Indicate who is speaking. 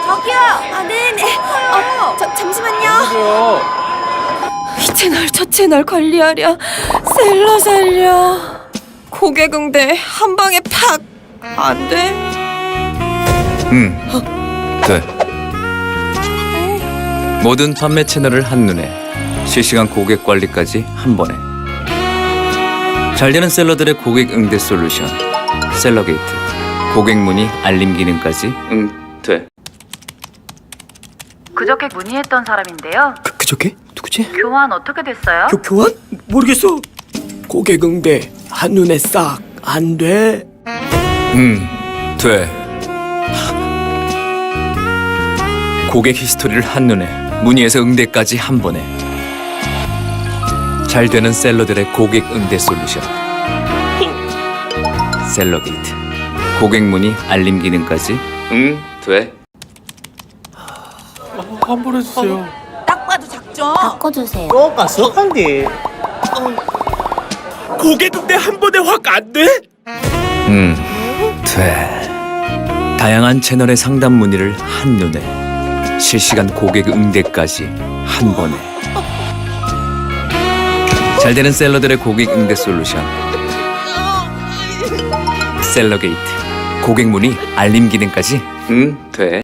Speaker 1: 저기요. 아, 네네. 잠시만요. 이 채널 저 채널 관리하랴. 셀러 살려. 고객 응대 한 방에 팍. 안 돼?
Speaker 2: 돼. 모든 판매 채널을 한눈에, 실시간 고객 관리까지 한 번에. 잘 되는 셀러들의 고객 응대 솔루션 셀러게이트. 고객 문의 알림 기능까지 돼.
Speaker 3: 그저께 문의했던 사람인데요.
Speaker 4: 그저께? 누구지?
Speaker 3: 교환 어떻게 됐어요?
Speaker 4: 교환? 모르겠어. 고객 응대 한눈에 싹 안 돼.
Speaker 2: 돼. 고객 히스토리를 한눈에, 문의에서 응대까지 한 번에. 잘 되는 셀러들의 고객 응대 솔루션 셀러게이트. 고객 문의 알림 기능까지 돼.
Speaker 4: 한 번 해주세요.
Speaker 1: 딱 봐도 작죠?
Speaker 5: 바꿔주세요.
Speaker 6: 쏙한데
Speaker 4: 고객 응대 한 번에 확 안 돼?
Speaker 2: 돼. 다양한 채널의 상담 문의를 한눈에, 실시간 고객 응대까지 한 번에. 잘 되는 셀러들의 고객 응대 솔루션 셀러게이트. 고객 문의 알림 기능까지 돼.